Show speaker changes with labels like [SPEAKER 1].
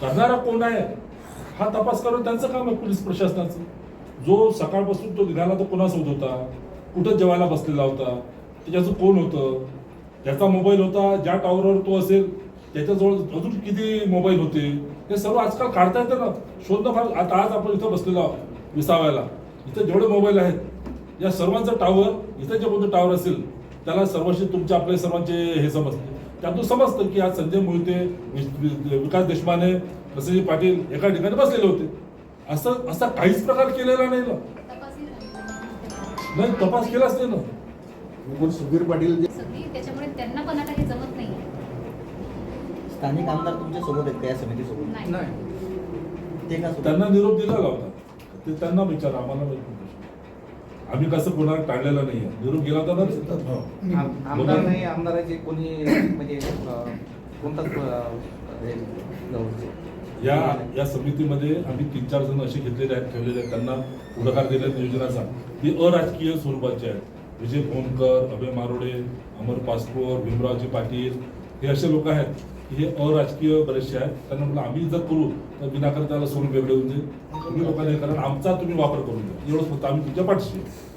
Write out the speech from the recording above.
[SPEAKER 1] करणारा कोण आहे हा तपास करून त्यांचं काम आहे पोलीस प्रशासनाचं. जो सकाळपासून तो निघाला तो कोणासोबत होता, कुठं जेवायला बसलेला होता, त्याच्याचं कोण होतं, ज्याचा मोबाईल होता, ज्या टॉवरवर तो असेल त्याच्याजवळ अजून किती मोबाईल होते, हे सर्व आजकाल काढता येतं ना. शोधणं फार. आता आज आपण इथं बसलेलो आहोत विसाव्याला, इथं जेवढे मोबाईल आहेत या सर्वांचं टावर, इथं जे कोणतं टावर असेल त्याला सर्वशी तुमचे आपले सर्वांचे हे समजते. त्यातून समजतं की आज संजय मोहिते, विकास देशमाने, प्रसन्नजी पाटील एका ठिकाणी बसलेले होते. असं असा काहीच प्रकार केलेला नाही ना. नाही, तपास केलाच नाही ना.
[SPEAKER 2] सुधीर पाटील
[SPEAKER 3] त्याच्यामुळे त्यांना पण आता हे जमत नाही.
[SPEAKER 4] स्थानिक आमदार तुमच्या सोबत आहेत का या समितीसोबत?
[SPEAKER 3] नाही.
[SPEAKER 4] ते का
[SPEAKER 1] त्यांना निरोप दिलेला होता, ते त्यांना विचारा, आम्हाला माहित नाही. आम्ही कसं कोणाला टाळलेलं नाहीये. निरोप गेला होता ना.
[SPEAKER 5] आमदार नाही, आमदाराचे कोणी म्हणजे कोणताच
[SPEAKER 1] या समितीमध्ये आम्ही 3-4 जण असे घेतलेले आहेत, ठेवलेले आहेत, त्यांना पुढाकार दिला नियोजनाचा. ती अराजकीय स्वरूपाचे आहेत. विजय भोमकर, अभय मारोडे, अमर पासपोर, भीमरावजी पाटील हे असे लोक आहेत की हे अराजकीय बरेचसे आहेत. त्यांना म्हटलं आम्ही जर करू तर विनाकारण त्याला सोडून वेगळे होऊन जाईल. तुम्ही लोकांना हे करा, आमचा तुम्ही वापर करून द्या, एवढंच फक्त आम्ही तुमच्या पाठीशी.